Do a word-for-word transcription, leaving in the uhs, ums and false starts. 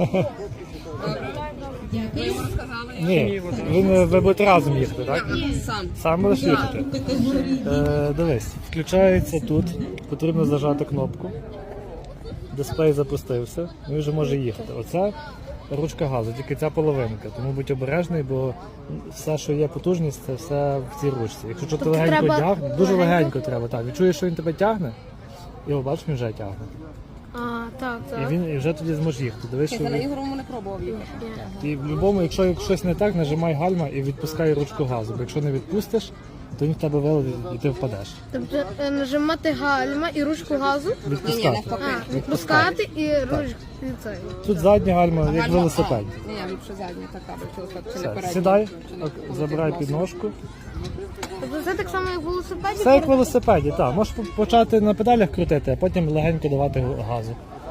Ви йому розказали? Ні, ви, ви будете разом їхати, так? Сам. Сам будеш їхати? Е, дивись, включається тут, потрібно зажати кнопку. Дисплей запустився, він вже може їхати. Оце ручка газу, тільки ця половинка, тому будь обережний, бо все, що є потужність, це все в цій ручці. Якщо тобто ти легенько треба тягне, дуже легенько? легенько треба, так. Відчуєш, що він тебе тягне, його бачиш, він вже тягне. А, так, І так. він і вже тоді зможе їхати. Дивись, що Я на він... ігровому не пробував їхати. І в будь-якому, якщо щось не так, нажимай гальма і відпускай ручку газу. Бо якщо не відпустиш, то він в тебе вилетить і ти впадеш. Тобто е, нажимати гальма і ручку газу, Відпускати. навпаки. а, відпускати і ручку. і цей. Тут задня гальма, як Гальма- велосипед. А, Ні, я ліпше задня така, бо чи не Все, передня. сідай, Чи не ок, крутить забирай нос. підножку. Тобто це так само, як в велосипеді? Все як в велосипеді, так. Можеш почати на педалях крутити, а потім легенько давати газу.